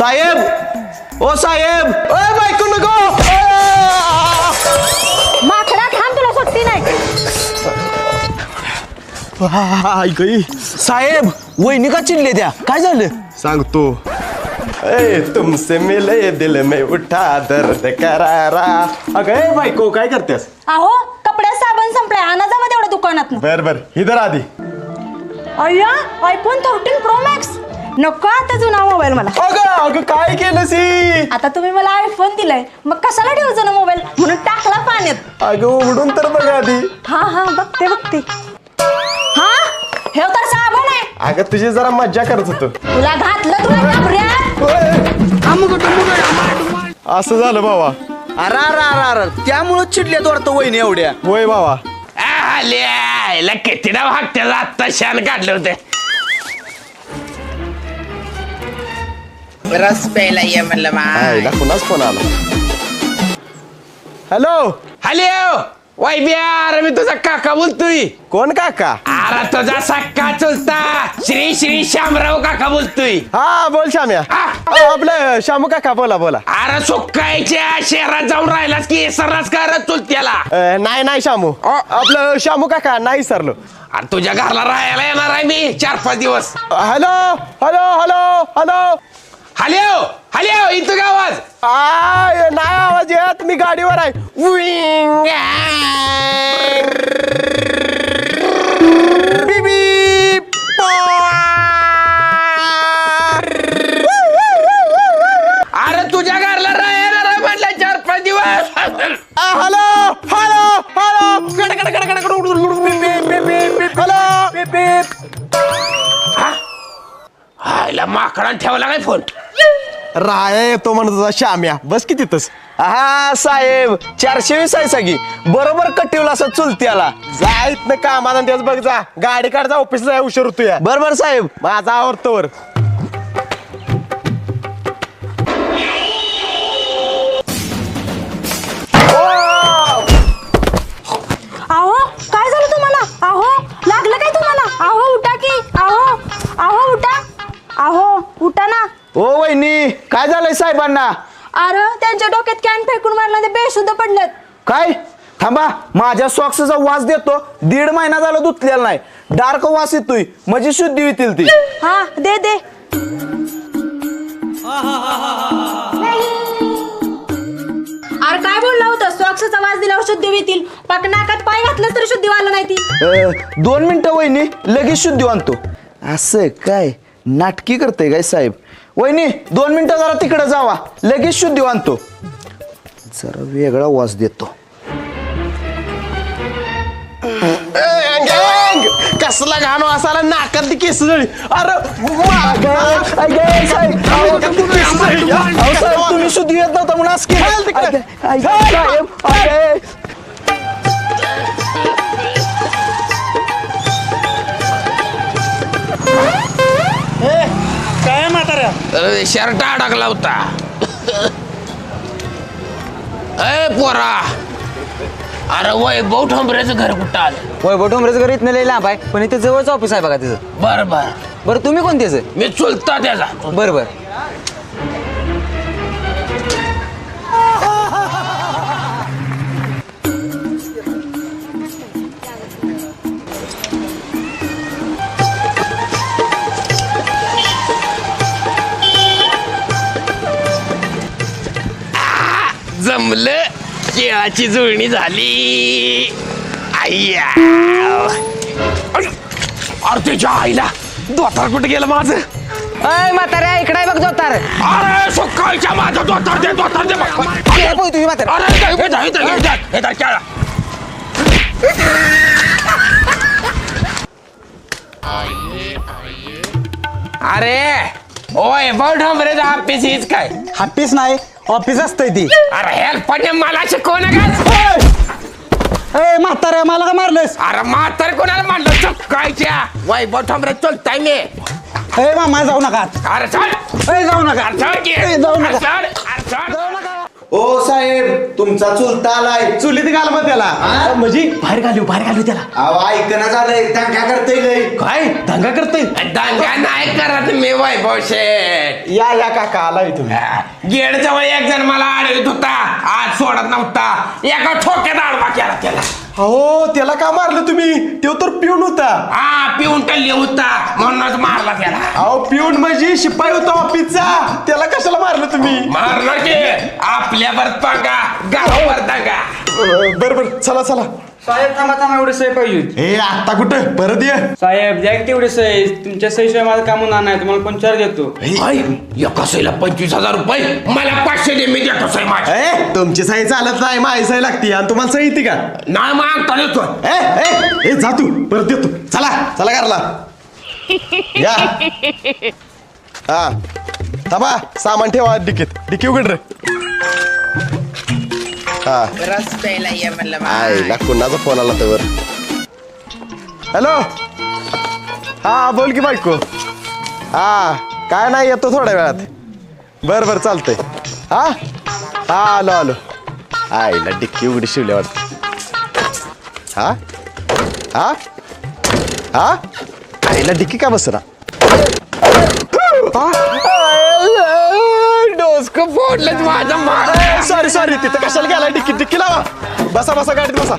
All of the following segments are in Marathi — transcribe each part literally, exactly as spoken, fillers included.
साहेब ओ साहेब ओय बायको नको माकडा थांब तुला सुट्टी नाही ऐकई साहेब वहिनी का चिडले त्या काय झालं सांगतो ए तुमसे मिले दिल में उठा दर्द करारा अगं बायको काय करतेस अहो कपड्यात साबण संपलाय आणा जा तेवढ्या दुकानात बर बर इधर आधी अय्या आयफोन थर्टीन प्रो मॅक्स नको आता जुना मोबाईल मला अगं अगं काय केलं सी आता तुम्ही मला आयफोन दिलाय मग कशाला ठेवू ना मोबाईल म्हणून टाकला पाण्यात अगं उघडून तर बघ आधी हा हा बघते बघते हा हे तर साबण आहे अगं तुझी जरा मज्जा करत होतो तुला घातलं तुला घाबऱ्या असं झालं बाबा अरे अरे अरे त्यामुळं चिडल्यात वाटतं वहिनी एवढ्या होय बाबा आल्या किती नाव हाकत्याला आत्ता शान काढलं होतं रस प्यायला ये म्हणलं आईला मा कुणाच फोन आला हॅलो हॅलो वाय बिहार मी तुझा काका बोलतोय कोण काका अरे तुझा सक्का चुलता श्री श्री श्यामराव काका बोलतोय हा बोल श्याम्या हा. अ, आपलं श्यामू काका बोला बोला अरे सुकायच्या शहरात जाऊन राहिलास की सर्रास करत चुलत्याला अ, नाही नाही श्यामू अ. आपलं श्यामू काका नाही सरलो अरे तुझ्या घरला राहायला येणार आहे मी चार पाच दिवस hello hello hello hello hello hello इथं का आवाज आय नाही आवाज येत मी गाडीवर आहे उईंग. बीप, बीप. अरे तुझ्या घरला राहायला आहे म्हटलं चार पाच दिवस आ, हॅलो हॅलो हॅलो गड, गड, गड, गड, गड. बीप, बीप, बीप, बीप. हॅलो बीप, बीप. हायला माकडा ठेवला काय फोन राया येतो म्हणत होता श्याम्या बस की तिथंच हा साहेब चारशे वीस आहे सगळी बरोबर कटिवला असं चुलत्याला जायत ना कामाला त्याच बघ जा गाडी काढ जा ऑफिसला जा, उशीर होतो या बरोबर साहेब माझा आवडतोवर अहो काय झालं तुम्हाला अहो लागलं काय तुम्हाला अहो उठा की अहो अहो उठा अहो उठा ना ओ वहिनी काय झालंय साहेबांना अरे त्यांच्या डोक्यात कॅन फेकून मारला ते बेशुद्ध पडलेत काय थांबा माझ्या सॉक्सचा वास देतो दीड महिना झाला धुतलेला नाही डार्क वास येतोय म्हणजे शुद्धी होतील ती हा दे दे अरे काय बोलला होता सॉक्सचा वास दिल्यावर शुद्धी होतील पाक नाकात पाय घातलं तरी शुद्धी वाला नाही ती अ, दोन मिनिटं वहिनी लगेच शुद्धी आणतो असं काय नाटकी करते काय साहेब वहिनी दोन मिनिटं जरा तिकडे जावा लगेच शुद्धी आणतो जरा वेगळा वास देतो कसला घाण वासाला नाकात ती केस जळी अरे अगं, अगं, साहेब, अहो, अहो, साहेब, तुम्ही शुद्धी येत नव्हता म्हणून असं केलं. चल तिकडे. अगं, अगं, साहेब, अगं. काय म्हाताऱ्या शर्ट अडकला होता अय पोरा अरे वैभव ठोंबऱ्याचं घर कुठं आलं वैभव ठोंबरेचं घर इथनं लई लांब आहे पण इथे जवळचं ऑफिस आहे बघा तिचं बर बर बरं तुम्ही कोणतेच मी चुलता त्याचा बरं बरं जमलं केळाची जुळणी झाली आय्या अरे त्याच्या आईला दोतार कुठे गेलं माझं अय म्हाताऱ्या इकडे बघ जोतार अरे सकाळच्या माझं दोतार दे दोतार दे तुम्ही म्हाताऱ्या अरे हे धर, हे धर, हे धर, हे धर, केळा. अरे ओय बौड हमरे ऑफिस हीच काय ऑफिस नाही ऑफिस असतंय ती अरे हेल्प मला शिकवू नका ए म्हाताऱ्या मला का मारलंस अरे म्हातार कोणाला म्हणलं चुकायच्या वैभव ठोंबरे चलताय मी ए मामा जाऊ नका अरे चल ए जाऊ नका अरे चल की. ए, जाऊ नका. अरे चल, अरे चल. ओ साहेब तुमचा चुलता आलाय. चुलीत घाल मग त्याला म्हणजे बाहेर घालू बाहेर घालू त्याला अहो ऐकणं झालंय दंगा करतोय लय. काय दंगा करतोय दंगा नाही करत मी वैभव शेठ. या या काका आलाय तुम्ही गेड जवळ एक जण मला अडवित होता, आज सोडत नव्हता. एका ठोक्यात आडवा केला त्याला. हो त्याला का मारलं तुम्ही तो तर पिऊन होता. हा पिऊन टल्ले होता म्हणूनच मारला त्याला. अहो पिऊन म्हणजे शिपाई होता ऑफिसचा, त्याला कशाला मारलं तुम्ही? मारणार की आपल्यावर पागा गावावर दंगा. बर बर चला चला. साहेब थांबा थांबा एवढी सही पाहिजे होती. ए आता कुठं परत ये. साहेब द्या की तेवढी सही, तुमच्या सहीशिवाय माझं काम होणार नाही, तुम्हाला पंचार देतो. आई, एका सहीला पंचवीस हजार रुपये, मला पाचशे दे मी देतो सही माझी. ए तुमची सही चालत नाही, माझी सही लागते आणि तुम्हाला सही येते का? नाही मागता देतो. ए ए ए जा तू परत येतो. चला चला घरला या. हा थांबा सामान ठेवा डिकीत. डिकी उघड रे. हा रस प्यायला ये म्हणलं आईला कुणाचा फोन आला तर. हॅलो हा बोल की बायको. हा काय नाही येतो थोड्या वेळात. बर बर चालतंय. हा हा आलो आलो. आईला डिक्की उघडी शिवली वाटत. हा हा हा आईला डिक्की का बसरा. डोसक फोडलं माझ्या माग. सॉरी सॉरी तिथं कशाला गेला? डिक्की डिक्की लावा. बसा बसा गाडीत बसा.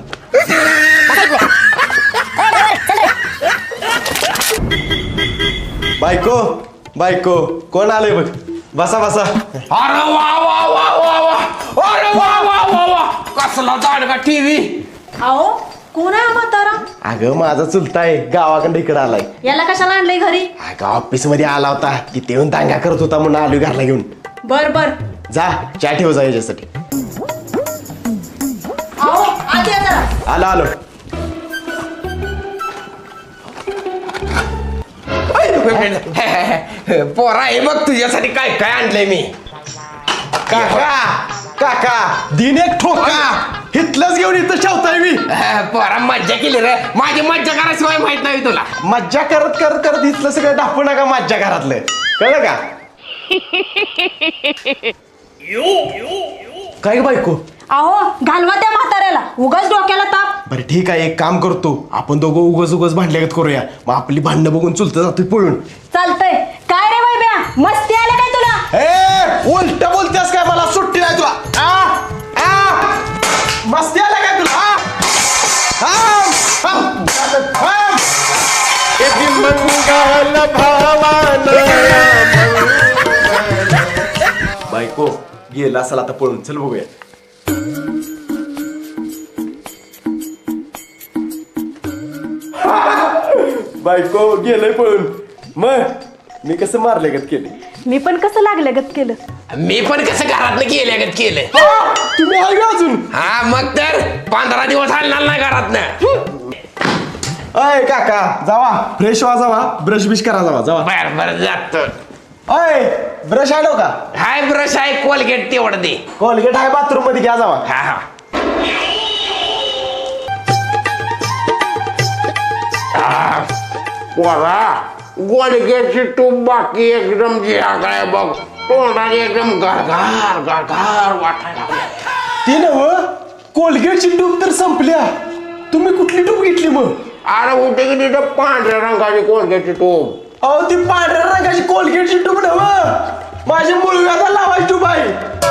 बायको बायको कोण आलंय बघ. बसा बसा. अरे वा वा वा वा वा. अरे वा वा वा वा. कसला दाडगा टीव्ही. अहो कोण आहे हा म्हातारा? अगं माझा चुलता आहे, गावाकडे इकडे आलाय. याला कशाला आणलंय घरी? अगं ऑफिस मध्ये आला होता, तिथे येऊन दांगा करत होता म्हणून आलो घरला घेऊन. बर बर. जा चहा ठेव जा याच्यासाठी. अहो आत या जरा. आलो आलो. पोरा हे बघ तुझ्यासाठी काय काय आणलंय मी. काका काका दिन एक ठोका हितलंच घेऊन इथं ठेवताय मी. पोरा मज्जा केली रे. माझी मज्जा कराशिवाय माहित नाही तुला. मज्जा करत करत करत इथलं सगळं दाखवू नका माझ्या घरातलं, कळलं का? काय ग बायको? अहो घालवा त्या म्हाताऱ्याला, उगाच डोक्याला ताप. बरं ठीक आहे, एक काम करतो आपण दोघं उगच उगच भांडल्यागत करूया. मग आपली भांडणं बघून चुलतं जातोय पळून. चालतंय. काय रे वैभ्या, मस्ती आलं काय तुला? ए उलट बोलतेस काय? मला सुट्टी नाही तुला. आ आ मस्ती आला काय तुला? आ? आ? आ? आ? किती मंगल भावानं बायको गेला असेल आता पळून. चल बघूया. बायको गेलंय पळून. मग मी कसं मारले गत केले? मी पण कसं लागलं गत केलं. मी पण कसं घरातनं केल्यागत केलं. तुम्ही आहे का अजून? हा मग तर पंधरा दिवस हलणार नाही घरातनं. अय काका जावा फ्रेश व्हा, जावा ब्रश बिश करा, जावा जावा. बर बर जातो. अय ब्रश आलो का? हाय ब्रश आहे, कोलगेट तेवढं दे. कोलगेट आहे बाथरूम मध्ये, घ्या जावा. हा हा. आ, पोरा कोलगेटची तूप बाकी एकदम जिराकडे बघ. तोंडाने एकदम गरगार गरगार वाटायला लागलं. ती नव कोलगेटची टूब तर संपल्या, तुम्ही कुठली टूब घेतली मग? अरे होते की तिथं पांढऱ्या रंगाची कोलगेटची तूप. अहो ती पांढऱ्या रंगाची कोलगेटची टूब नव, माझ्या मुलगाचा लावायची टूब आहे.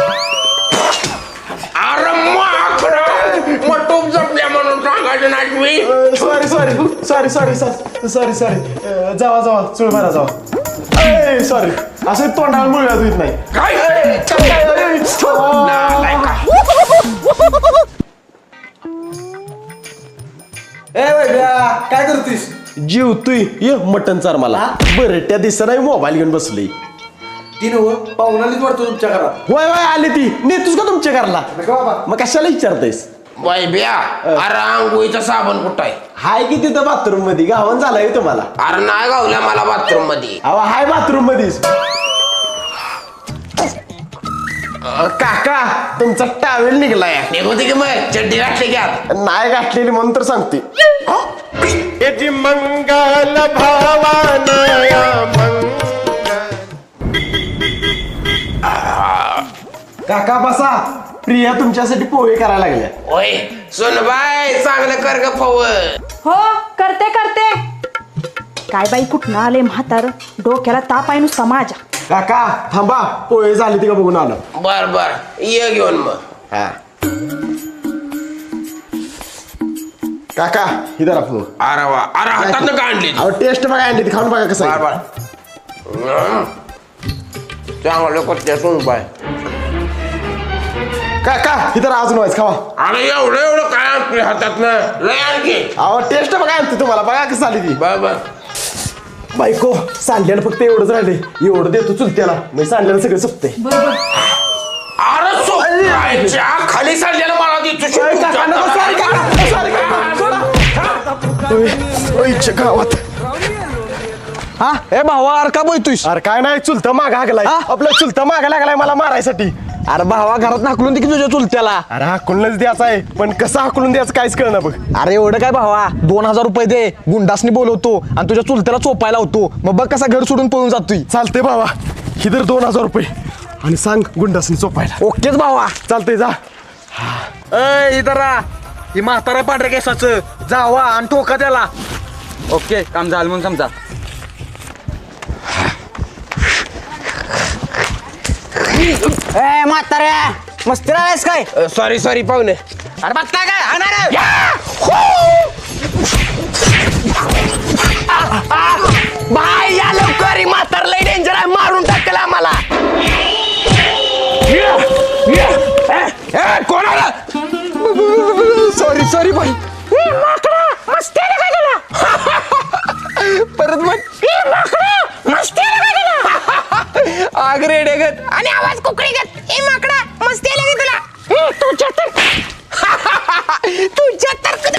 अरे माकडं, मग तूप जपल्या म्हणून सांगायचं नाही मी. Sorry sorry sorry sorry sorry sorry sorry जावा जावा चुळ मारा जावा. सॉरी असं तोंडाला मुलगा येत नाही. काय नालायक का? काय करतोस? जीव तू ये मटन चार मला. बरं त्या दिवसा नाही मोबाईल घेऊन बसली. ती नव पाहुणालीच वाटतो तुमच्या घरात. वय वय आली ती. नेतोस का तुमच्या घरला? बाबा मग कशाला विचारतेस? वैभ्या, अरे आंघोळीचा साबण कुठं आहे? हाय की तिथं बाथरूम मध्ये, गावन झालाय तुम्हाला. अरे नाही गावल्या मला बाथरूम मध्ये. अहो हाय बाथरूम मध्येच. काका तुमचा टावेल निघलाय. निघते की मग चड्डी घातली की आत. नाही गाठलेली म्हणून तर सांगते. मंगल भावान काका बसा. प्रिया तुमच्यासाठी पोहे करायला लागल्या. ओय सुनबाई चांगलं कर ग पव. हो करते करते. काय बाई कुठनं आले म्हातार, डोक्याला ताप आहे नुसता माझ्या. काका थांबा, पोहे झाले ते का बघून आलो. बर बर ये घेऊन मग. हा काका ही धरा पोहे. अरे वा अरे हातानं का आणली ती? अहो टेस्ट बघा आणली ती, खाऊन बघा कसं बर आहे. बर चांगलं करते सुनबाई. काका ही धरा अजून व्हायचं खावा. अरे एवढं एवढं काय आणतोय हातातनं, लय आणखी. अहो टेस्ट बघा आणते तुम्हाला, बघा कसं आली ती. बर बर बायको सांडल्याला फक्त एवढंच राहिले, एवढं देतो चुलत्याला, मी सांडल्याला सगळं सपते. अरे सोच्या खाली सांडलेलं मला देतो. गावात हा ए भावा अरे का बोलतोयस? अरे काय नाही, चुलता मागा लागलाय हा? आपला चुलता मागा लागलाय मला मारायसाठी. अरे भावा घरात हाकलून दे की तुझ्या चुलत्याला. अरे हाकलूनच द्यायचा आहे, पण कसं हाकलून द्यायचं काहीच कळना बघ. अरे एवढं काय भावा, दोन हजार रुपये दे, गुंडासनी बोलवतो आणि तुझ्या चुलत्याला चोपायला होतो, मग बघ कसा घर सोडून पळून जातोय. चालते बाबा, इधर दोन हजार रुपये आणि सांग गुंडासनी चोपायला. ओकेच भावा. चालतंय जा. ए इधर ही म्हातारा पांढऱ्या केसाचं, जावा आणि ठोका त्याला. ओके काम झालं म्हणून समजा. ए म्हाताऱ्या मस्ती राहायस काय? सॉरी सॉरी पाहुणे. अरे बघता काय हाणार बाय या लवकर, ही म्हातार लय डेंजर आहे, मारून टाकेल आम्हाला. कोणाला सॉरी सॉरी भाई. परत मग आग रेडेगत आणि आवाज कुकडीगत. ए माकडा मस्ती आली की तुला? तुझ्या तर तुझ्या तर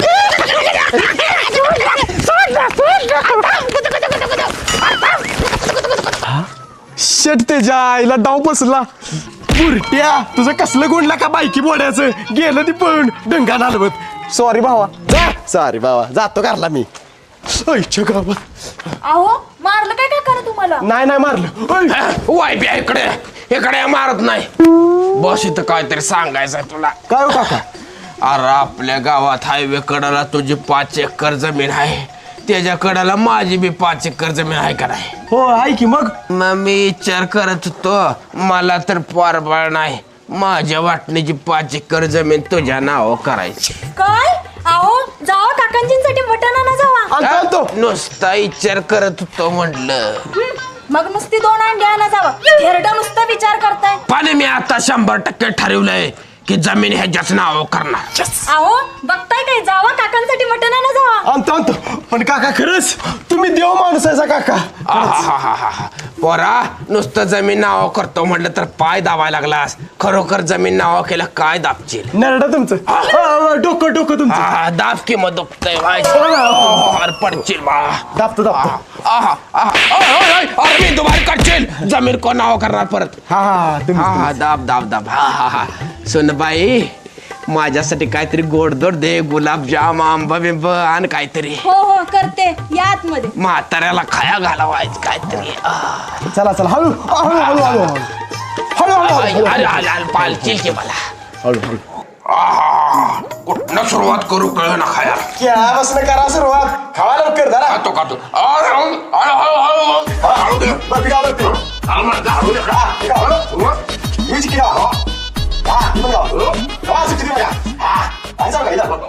शेट त्याच्या आईला डाव बसला. बुरट्या तुझं कसलं गुंडला का बायकी बोडायचं, गेलं ती पळून डंगा नालवत. सॉरी भावा. जा सॉरी बाबा, जातो घरला मी. आईच्या गावात अहो मारलं काय काका तुम्हाला? नाही नाही मारलं. ओय, वाय बिया इकडे इकडे मारत नाही. बस इथं काहीतरी सांगायचंय तुला. काय हो काका? अरे आपल्या गावात हायवे कडाला तुझी पाच एकर जमीन आहे, त्याच्या कडाला माझी बी पाच एकर जमीन आहे का नाही? हो आहे की. मग मग मी विचार करत होतो, मला तर पारबळ नाही, माझ्या वाटणीची पाच एकर जमीन तुझ्या नाव करायची. काय? अहो जावा काकांजींसाठी मटण आणा जावा. आणतो आणतो. नुसता विचार करत होतो म्हटलं. मग नुसती दोन अंडी आणा जावा. थेरडा नुसता विचार करताय. पण मी आता शंभर टक्के ठरवलंय की जमीन ह्याच्याच नाव करणार. अहो बघताय काय, जावा काकांसाठी मटण आणा जावा. आणतो आणतो. पण काका खरंच तुम्ही देव माणूस आहे काका. आहाहाहाहा. पोरा नुसतं जमीन नाव करतो म्हटलं तर पाय दाबायला लागलास, खरोखर जमीन नाव केलं काय दाबशील? नरडा तुमचं. हा, डोकं डोकं तुमचं. हा, दाब की मग दुखतंय पडशील बा. दाबतो दाबतो. आहा, आहा. ओय, ओय, ओय. अरे मी दुबार करशील, जमीन कोण नाव करणार परत? हा हा तुम्ही हा हा दाब दाब दाब. हा हा हा. सुनबाई माझ्यासाठी काहीतरी गोडधोड दे, गुलाबजाम आंबा बिंब आण काहीतरी. हो हो करते, या आतमध्ये. म्हाताऱ्याला खाया घालावायचं काहीतरी. आह. चला चला हळू हळू हळू हळू हळू हळू हळू अरे, हळू अरे, अरे, अरे, पालचील की मला. हळू हळू. आह, कुठनं सुरुवात करू कळ ना खाया. खेळापासून करा सुरुवात. खावा लवकर जरा. खातो खातो. अरे, हळू, हळू, हळू, हळू, हळू दे. बरं, गाव लवकर. हळू म्हणते, हळू दे. हा, हे गाव, हळू. हीच की गाव. हा, हे पण गाव. गावा, सुट्टी दे बघा. हा, आणि जाऊ का, इथं बघ.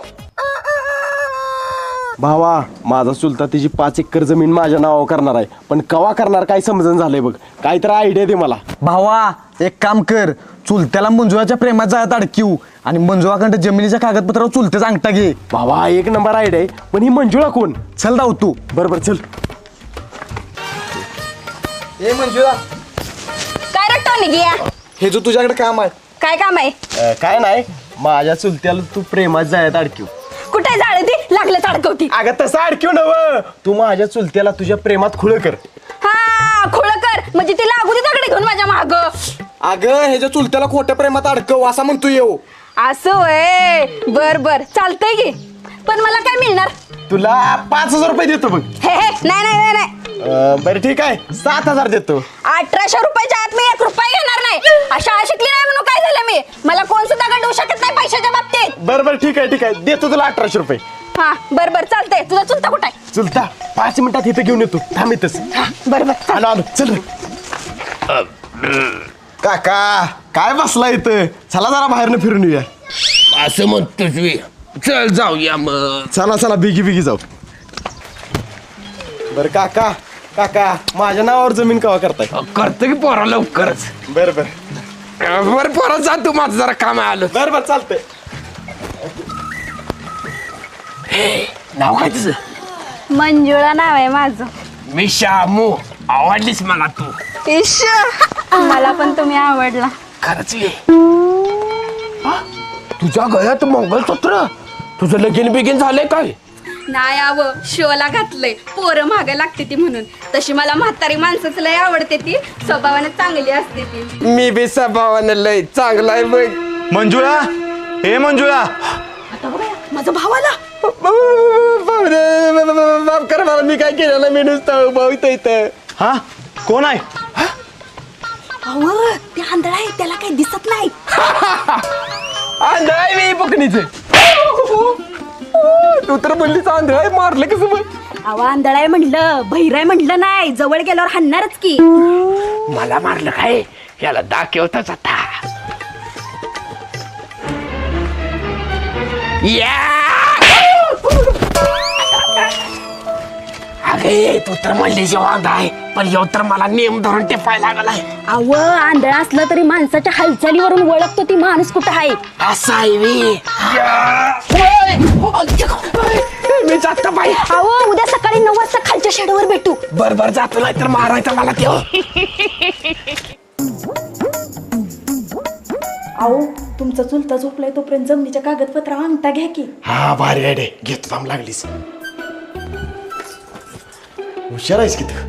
भावा माझा चुलता तिची पाच एकर जमीन माझ्या नावावर करणार आहे, पण कवा करणार काय समजून झालंय बघ. काहीतरी आयडिया दे मला. भावा एक काम कर, चुलत्याला मंजुळाच्या प्रेमात जायत अडकीव आणि मंजुळाकडे जमिनीच्या कागदपत्रावर चुलत्याचा अंगठा घे. भावा एक नंबर आयडिया आहे, पण ही मंजुळा कोण? चल धाव तू. बरोबर चल. ए मंजुळा, काय रट्टा निघिया? हे जो तुझ्याकडे काम आहे, काय काम आहे? अं, काय नाही, माझ्या चुलत्याला तू प्रेमात जायत अडकीव. कुठे जाळ ती लागलं अडकवती. अगं तसं अडकीव नव, तू माझ्या चुलत्याला तुझ्या प्रेमात खुळ कर. हा खुळकर म्हणजे ती लागू दे दगड घेऊन माझ्या माग. अगं ह्याच्या चुलत्याला खोट्या प्रेमात अडकव असं म्हणतो येऊ. असं वय, बर बर चालतंय की. पण मला काय मिळणार? तुला पाच हजार रुपये देतो बघ. हे हे नाही नाही नाही नाही. अं, बरं ठीक आहे, सात हजार देतो. अठराशे रुपयाच्या आत मी एक रुपया घेणार नाही. आ, शाळा शिकली नाही म्हणून काय झालं मी मला कोण सुद्धा गंडवू शकत नाही पैशाच्या बाबतीत. बर बर ठीक आहे ठीक आहे देतो तुला अठराशे रुपये. हा बर बर चालतंय. तुझा चुलता कुठं आहे? चुलता पाच मिनिटात इथं घेऊन येतो थांब इथंच. बर बर आलो आलो चल रे. काका काय बसला इथं चला जरा बाहेरनं फिरून येऊया. असं म्हणतोस मी. चल जाऊया मग. चला चला बिगी बिगी जाऊ. बर काका काका माझ्या नावावर जमीन कवा करताय? करतो की पोरा लवकरच. बर बर बर पोरा जा तू माझं जरा काम आलं. बर बर चालतंय. नाव काय तुझं? मंजुळा नाव आहे माझं. मी शामू. आवडलीस मला तू. इश मला पण तुम्ही आवडला. खरंच ये. हा? तुझ्या गळ्यात मंगळसूत्र. तुझं लगीन बिगीन झालंय काय? नाही आव शोला घातलंय पोरं मागे लागते ती म्हणून. तशी मला म्हातारी माणसाच लय आवडते ती स्वभावाने चांगली असते ती. मी बी स्वभावानं लय चांगला आहे बघ. मंजुळा हे मंजुळा माझा भाव आला. माफ कर मला मी काय केलं मी नुसतं भाऊ इथं. हा कोण आहे? अहो ते आंधळा आहे त्याला काही दिसत नाही. आंधळा आहे मी बुकणीच. तू तर बोललीच आंधळा आहे मारलं कसं बघ. अहो आंधळा आहे म्हणलं बहिराय म्हणलं नाही. जवळ गेल्यावर हाणणारच की. मला मारलं काय याला दाखवताच आता. अगे तू तर म्हणली जेव्हा आहे पण येऊ तर मला नेम धरून टेपायला लागलाय. अव आंधळा असला तरी माणसाच्या हालचालीवरून ओळखतो ती माणूस कुठं आहे. असं आहे मी. मी जातो बाई. अहो उद्या सकाळी नऊ वाजता खालच्या शेडवर भेटू. बर बर जातो नाही तर मारायचं मला तेव्हा. अहो तुमचा चुलता झोपलाय तोपर्यंत जमिनीच्या कागदपत्र अंगठा घ्या की. हा भारी आयडे घेतो थांब लागलीस. हुशार आहेस की तू.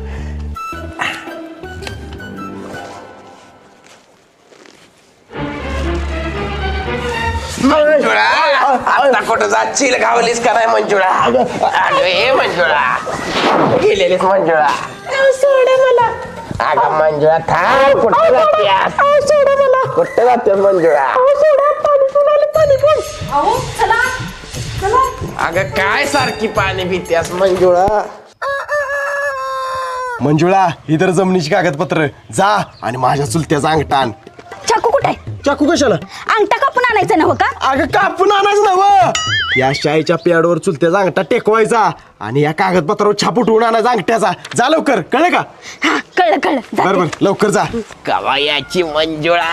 मंजुळा आता कुठं जाशील गावलीस का नाही मंजुळा? अगं ए मंजुळा गेलेलीस मंजुळा. सोडा मला. अगं मंजुळा थांब कुठं जातेस? सोडा मला. कुठं जातेस मंजुळा? सोडा पाणी पिऊन पाणी पण. अहो चला चला. अगं काय सारखी पाणी पितेस मंजुळा? मंजुळा इतर जमिनीची कागदपत्र जा आणि माझ्या चुलत्याचा अंगठा आण. चाकू कुठे आहे? चाकू कशाला? अंगठा कापून आणायचं नव्ह का? अगं कापून आणायचं नव. या शाईच्या पेडवर चुलत्याचा अंगठा टेकवायचा आणि या कागदपत्रावर छाप उठवून आणायचा अंगठ्याचा. जा लवकर कळलं का? हा कळलं कळलं. बर बर लवकर जा. कवायाची मंजुळा.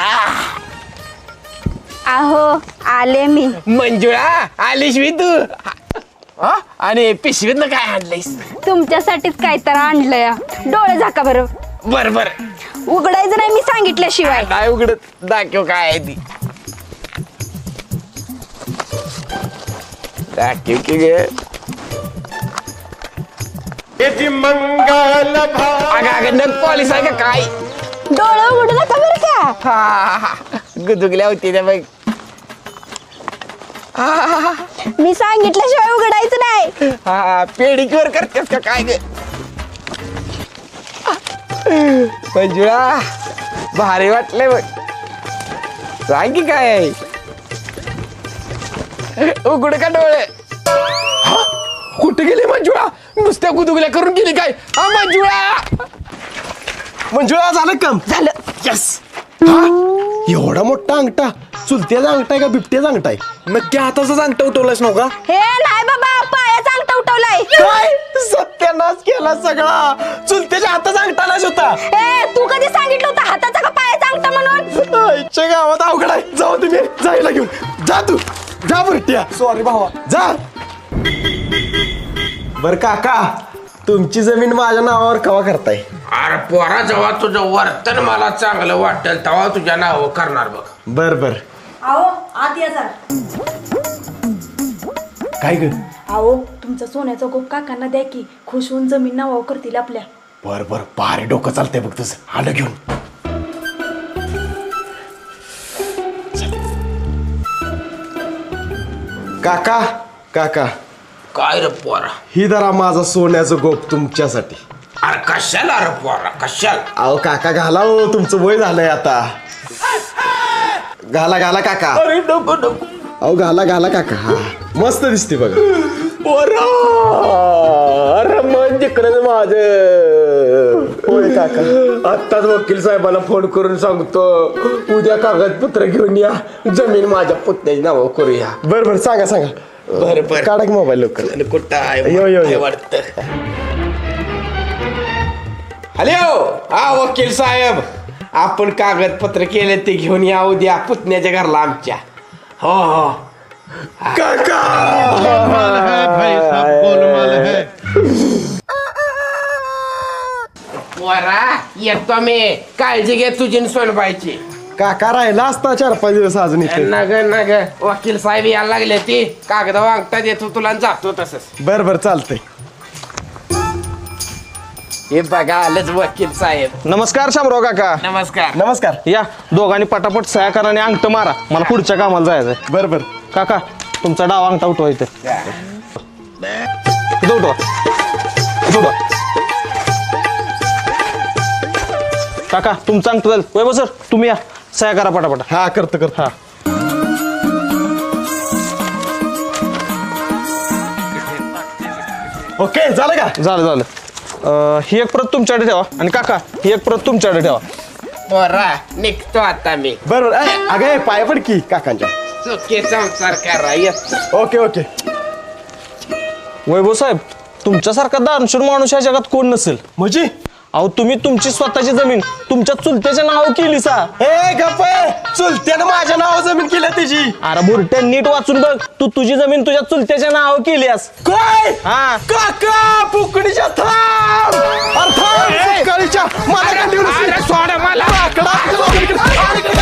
अहो आले मी. मंजुळा आलीस मी तू. हा? आणि पिशवीतनं काय आणलंयस? तुमच्यासाठीच काय तर आणलंय. डोळे झाका बरं. बर बर उघडायचं नाही मी सांगितल्याशिवाय. काय उघडत दाखव काय आहे ती. दाखव की गे. मंगल अगं अगं नग पॉलिस आहे का काय? डोळे उघडू नका बरं का. हा गुदुगल्या होती त्या बघ. मी सांगितल्याशिवाय उघडायचं नाही. हा पेडिक्युअर करतेस का काय ग? मंजुळा भारी वाटलंय बघ. सांग की काय आहे? उघड का डोळे? हा? कुठे गेली मंजुळा? नुसत्या गुदुगल्या करून गेली काय? हा मंजुळा. मंजुळा झालं काम झालं. यस. एवढा मोठा अंगठा चुलत्याचा अंगठा आहे का बिबट्याचा अंगठा आहे? नक्की हाताचाच अंगठा उठवलास नव्ह का? हे नाही बाबा पायाचा अंगठा उठवलाय. काय सत्यानाश केला सगळा. चुलत्याच्या हाताचा अंगठा नाश होता. ए तू कधी सांगितलं होतं हाताचा का पायाचा अंगठा म्हणून? आईच्या गावात अवघड आहे. जाऊ तुम्ही जायला घेऊन जा. तू जा बुरट्या. सॉरी भावा. जा. बर काका तुमची जमीन माझ्या नावावर कवा करताय? अरे पोरा जेव्हा तुझं वर्तन मला चांगलं वाटेल तेव्हा तुझ्या नाव करणार बघ. बर बर. अहो आत या जरा. काय ग? अहो तुमचा सोन्याचा गोप काकांना द्या की खुश होऊन जमीन नावावर करतील आपल्या. बर बर भारी डोकं चालतंय बघ तुझं. आलं घेऊन. काका काका काय रे पोरा? ही धरा माझा सोन्याचं गोप तुमच्यासाठी. अरे कशाला रे पोरा कशाला? अहो काका घाला हो तुमचं वय झालंय आता. घाला घाला काका अरे नको नको अहो घाला घाला काका हा मस्त दिसते बघा पोरा अरे मन जिकडं माझं होय काका आत्ताच वकील साहेबाला फोन करून सांगतो उद्या कागदपत्र घेऊन या जमीन माझ्या पुतण्याची नाव करूया बर बर सांगा सांगा बर बर काढा की मोबाईल लवकर आणि कुठं आहे यो, यो, यो. वाटत हॅलो हा वकील साहेब आपण कागदपत्र केले ते घेऊन या उद्या पुतण्याच्या घरला आमच्या हो हो पोरा येतो मी काळजी घे तुझी सोनबाईची काका राहिला असता चार पाच दिवस अजून इथे नग नग वकील साहेब यायला लागले ती कागद वागता देतो तुला आणि जातो तसंच बर बर चालतंय हे बघा आलंच वकील साहेब नमस्कार शामराव काका नमस्कार नमस्कार या दोघांनी पटापट सह्या करा आणि अंगठ मारा मला पुढच्या कामाला जायचंय बर बर काका तुमचा डाव अंगठा उठवा इथे इथं उठवा इथं उठवा. काका तुमचा अंगठा जाईल वैभव सर तुम्ही या सह्या करा पटापट हा करतो करतो हा ओके झालं का झालं झालं अं, ही एक प्रत तुमच्याकडे ठेवा आणि काका ही एक प्रत तुमच्याकडे ठेवा पोरा निघतो आता मी बर बर ए, अगं ए, पाया पड की काकांच्या चुकी संसार करा येतो ओके ओके वैभव साहेब तुमच्यासारखा दानशूर माणूस या जगात कोण नसेल म्हणजे अहो तुम्ही तुमची स्वतःची जमीन तुमच्या चुलत्याच्या नाव केली सा ए गप्प चुलत्यानं माझ्या नाव जमीन केलं त्याची अरे बुरट्या नीट वाचून बघ तू तुझी जमीन तुझ्या चुलत्याच्या नाव केलीस काय हा काका पुकडीच्या थांब अरे थांब, पुकडीच्या मला काय देऊ नसेल. सोड मला काकडा,